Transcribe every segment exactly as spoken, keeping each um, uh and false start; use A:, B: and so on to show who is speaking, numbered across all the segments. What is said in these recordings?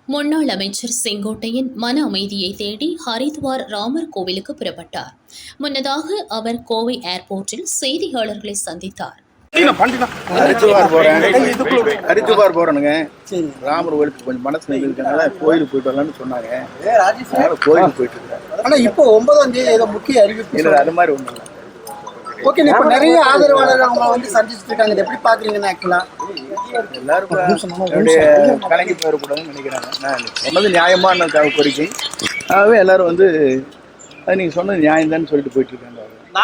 A: முன்னாள் அமைச்சர் செங்கோட்டையன் மன அமைதியை தேடி ஹரித்வார் ராமர் கோவிலுக்கு புறப்பட்டார். முன்னதாக அவர் கோவை ஏர்போர்ட்டில் செய்தியாளர்களை சந்தித்தார்.
B: ஹரித்வார் போறேன் ஹரித்வார் போறேனுங்க ராமர் கோயிலுக்கு கொஞ்சம் மனசு இருக்கனால கோயிலுக்கு போயிட்டு வரலாம்னு சொன்னாங்க. கோயிலுக்கு போயிட்டு இருக்கேன்.
C: ஆனா இப்போ ஒன்பதாம் தேதி ஏதோ முக்கிய அறிவிப்பு
B: இல்லை, அது மாதிரி ஒன்றும் இல்லை.
C: ஓகே, இப்போ நிறைய ஆதரவாளர்கள் அவங்க வந்து சந்திச்சுட்டு இருக்காங்க. இதை எப்படி பாக்குறீங்கன்னு ஆக்சுவலா
B: எல்லாரும் என்னுடைய கலங்கி போயிடக்கூடாதுன்னு நினைக்கிறாங்க. நான் சொன்னது நியாயமான கோரிக்கை. ஆகவே எல்லாரும் வந்து அது நீங்க சொன்னது நியாயம் தான் சொல்லிட்டு போயிட்டு இருக்காங்க.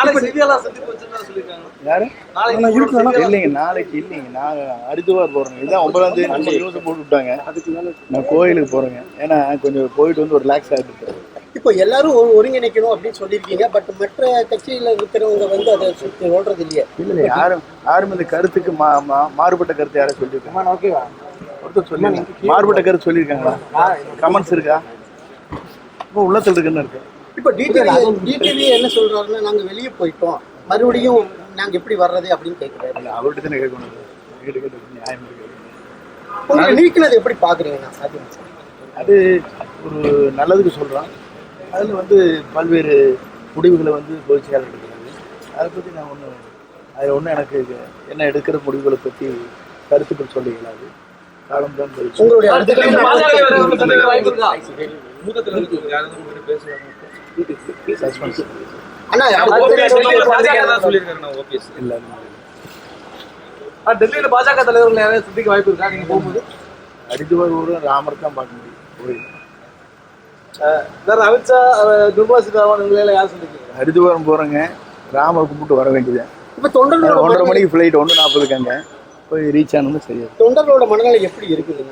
B: யாரு இல்லைங்க, நாளைக்கு இல்லைங்க, நான் ஹரித்வார் போறேங்க. இதுதான் ஒன்பதாம் தேதி நியூஸ் போட்டு விட்டாங்க. நான் கோயிலுக்கு போறேங்க. ஏன்னா கொஞ்சம் போயிட்டு வந்து ஒரு ரிலாக்ஸ் ஆகிட்டு.
C: இப்போ எல்லாரும் ஒருங்கிணைக்கணும் அப்படின்னு சொல்லியிருக்கீங்க. பட் மற்ற கட்சியில இருக்கிறவங்க வந்து அதை சொல்றது இல்லையா?
B: இல்லை, யாரும் யாரும் இந்த கருத்துக்கு மா மாறுபட்ட கருத்து யாரும் சொல்லியிருக்காங்க. ஓகேவா, ஒருத்தர் சொல்லி மாறுபட்ட கருத்து சொல்லியிருக்காங்களா? கமெண்ட்ஸ் இருக்கா? இப்போ உள்ளத்தில் இருக்குன்னு இருக்கு.
C: இப்போ டிடிவி டிடிவி என்ன சொல்றாருன்னா, நாங்க வெளியே போயிட்டோம், மறுபடியும் நாங்க எப்படி வர்றது அப்படின்னு கேட்குறாரு.
B: இல்லை, அவர்கிட்ட தானே கேட்கணும். கேட்டு கேட்டு நியாயம் இருக்கு.
C: உங்களுக்கு நீக்கினது எப்படி பாக்குறீங்கன்னா? அது
B: அது ஒரு நல்லதுக்கு சொல்றான். அதில் வந்து பல்வேறு முடிவுகளை வந்து பொதுச் செயலாளர் எடுக்கிறாங்க. அதை பற்றி நான் ஒன்று அதில் ஒன்றும் எனக்கு என்ன எடுக்கிற முடிவுகளை பற்றி கருத்துக்கள் சொல்ல இயலாது. காலம் தான் போயிடுச்சு.
C: உங்களுடைய
D: டெல்லியில் பாஜக தலைவர்கள் யாரையும் சந்திக்க வாய்ப்பு இருக்கா? நீங்க போகும்போது
B: ஹரித்வார் ஊரில் ராமர் தான் பார்க்க முடியும். கோயில்
D: அமித்ஷா நிர்மலா சீதாராமன் யார் சொல்லிருக்கீங்க?
B: ஹரித்வாரம் போகிறேங்க, ராமர் கும்பிட்டு வர வேண்டியது.
C: இப்போ தொண்டர்களோட
B: ஒன்றரை மணிக்கு ஃப்ளைட் ஒன்று நாற்பதுக்காங்க போய் ரீச் ஆனது சரியா.
C: தொண்டர்களோட மனநிலை எப்படி இருக்குதுங்க?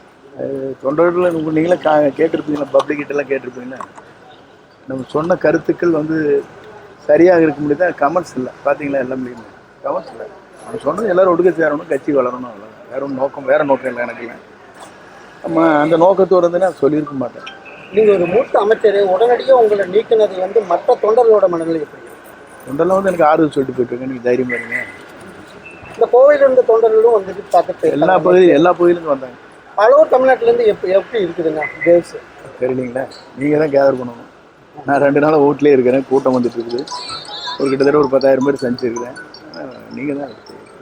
B: தொண்டர்கள் நீங்களே கா கேட்டிருப்பீங்களா, பப்ளிக்கிட்டெல்லாம் கேட்டிருப்பீங்களா? நம்ம சொன்ன கருத்துக்கள் வந்து சரியாக இருக்க முடியுதா? கமெண்ட்ஸ் இல்லை, பார்த்தீங்களா? எல்லாம் முடியுது, கமெண்ட்ஸ் இல்லை. நம்ம சொன்னது எல்லோரும் ஒடுக்க சேரணும், கட்சி வளரணும், அவ்வளோ. வேற ஒன்றும் நோக்கம் வேறு நோக்கம் இல்லை எனக்கு. இல்லை, நம்ம அந்த நோக்கத்தோடு வந்து நான் சொல்லியிருக்க மாட்டேன்.
C: நீங்கள் ஒரு மூத்த அமைச்சர், உடனடியாக உங்களை நீக்கினது வந்து மற்ற தொண்டர்களோட மனநிலை எப்படி?
B: தொண்டர்லாம் வந்து எனக்கு ஆறுதல் சொல்லிட்டு போயிட்டுருக்கேன். நீங்கள் தைரியம் இருங்க.
C: இந்த கோவையில் இருந்த தொண்டர்களும் வந்துட்டு பார்த்துட்டு
B: எல்லா பகுதியும் எல்லா பகுதியிலேருந்து வந்தாங்க.
C: அளவு தமிழ்நாட்டிலேருந்து எப்படி எப்படி இருக்குதுங்க கேர்ள்ஸ்?
B: தெரியலீங்களா, நீங்கள் தான் கேதர் பண்ணணும். நான் ரெண்டு நாள் வீட்லேயே இருக்கிறேன், கூட்டம் வந்துட்டு இருக்குது. ஒரு கிட்டத்தட்ட ஒரு பத்தாயிரம் பேர் சந்திச்சிருக்கிறேன். நீங்கள் தான்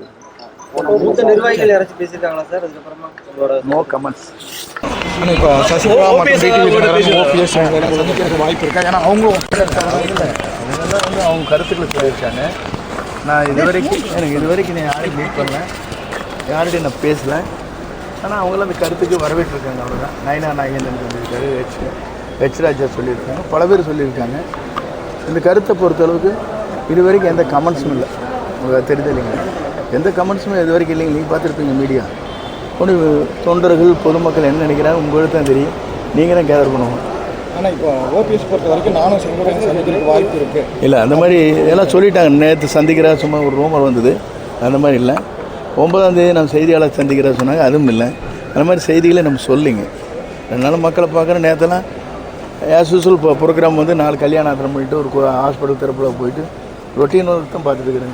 C: மூத்த நிர்வாகிகள் யாராச்சும் பேசியிருக்காங்களா சார்? அதுக்கப்புறமா உங்களோட
B: நோ கமெண்ட்ஸ்.
E: இப்போ சசிகலா மற்றும் ஓபிஎஸ் வாய்ப்பு இருக்கா? ஏன்னா அவங்களும்
B: அதெல்லாம் வந்து அவங்க கருத்துக்களை சொல்லியிருக்காங்க. நான் இது வரைக்கும் எனக்கு இது வரைக்கும் நான் யாரையும் மீட் பண்ணல, யார்கிட்டையும் நான் பேசலை. ஆனால் அவங்களாம் அந்த கருத்துக்கு வரவேற்றிருக்காங்க, அவ்வளோதான். நயனா நாகேந்திரன் சொல்லியிருக்காரு, ஹெச் ஹெச் ராஜா சொல்லியிருக்காங்க, பல பேர் சொல்லியிருக்காங்க. இந்த கருத்தை பொறுத்தளவுக்கு இது வரைக்கும் எந்த கமெண்ட்ஸும் இல்லை. உங்களுக்கு தெரியுது இல்லைங்க, எந்த கமெண்ட்ஸுமே இது வரைக்கும் இல்லைங்க. நீங்கள் பார்த்துருப்பீங்க மீடியா. ஒன்று தொண்டர்கள் பொதுமக்கள் என்ன நினைக்கிறாங்க உங்களுக்கு தான் தெரியும். நீங்கள் தான் கேதர் பண்ணுவோம்.
E: ஆனால் இப்போ ஓபிஎஸ் பொறுத்த வரைக்கும் நானும் செங்கோட்டையன் சந்திக்கிறதுக்கு வாய்ப்பு இருக்குது.
B: இல்லை, அந்த மாதிரி எல்லாம் சொல்லிட்டாங்க. நேற்று சந்திக்கிறா சும்மா ஒரு ரூமர் வந்தது, அந்த மாதிரி இல்லை. ஒன்பதாம் தேதி நம்ம செய்தியாளர் சந்திக்கிறா சொன்னாங்க, அதுவும் இல்லை. அந்த மாதிரி செய்திகளை நம்ம சொல்லிங்க. அதனால மக்களை பார்க்குற நேரத்தெல்லாம் ஆஸ் யூஸ்வல் இப்போ ப்ரோக்ராம் வந்து நாலு கல்யாணம் ஆத்திரம் பண்ணிட்டு ஒரு ஹாஸ்பிட்டல் திறப்பில் போயிட்டு ரொட்டீன் ஒர்க் தான் பார்த்துட்டு இருக்கிறேங்க.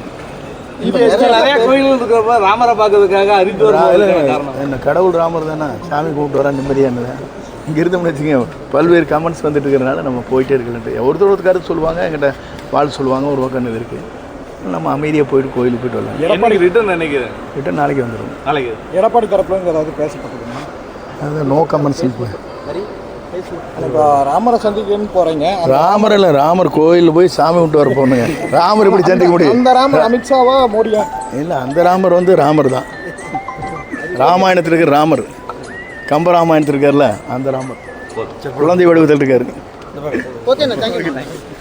D: நிறைய கோயில்கள் இருக்கிறப்ப ராமரை பார்க்கறதுக்காக ஹரித்வார்
B: என்ன கடவுள் ராமர் தானே, சாமி கூப்பிட்டு வர நிம்மதியானது. இங்கே இருந்தோம்னு வச்சுக்கோங்க, பல்வேறு கமெண்ட்ஸ் வந்துட்டு இருக்கிறனால நம்ம போயிட்டே இருக்கலன்ட்டு ஒருத்தர் ஒருத்தர் கருத்து சொல்லுவாங்க, எங்கிட்ட வாழ் சொல்லுவாங்க, ஒரு பக்கம் இது இருக்குது. நம்ம அமைதியாக போயிட்டு கோயிலுக்கு போயிட்டு வரலாம்.
D: எடப்பாடி ரிட்டர்ன் நினைக்கிறேன்
B: ரிட்டர்ன் நாளைக்கு வந்துடும்.
D: நாளைக்கு
E: எடப்பாடி தரப்புல ஏதாவது பேசப்பட்டதுன்னா
B: அது நோ கமெண்ட்ஸ்.
E: இப்போ ராமரை சந்திக்கணும்னு போகிறீங்க.
B: ராமர் இல்லை, ராமர் கோயிலில் போய் சாமி விட்டு வர போகணுங்க. ராமர் எப்படி சந்திக்க முடியும்?
E: அந்த ராமர் அமித்ஷாவா மோடியா?
B: இல்லை, அந்த ராமர் வந்து ராமர் தான். ராமாயணத்தில் இருக்கிற ராமர், கம்ப ராமாயணத்தில் இருக்கார்ல அந்த ராமர், குழந்தை வடிவத்தில் இருக்காரு.
C: ஓகேண்ணா, தேங்க்யூ.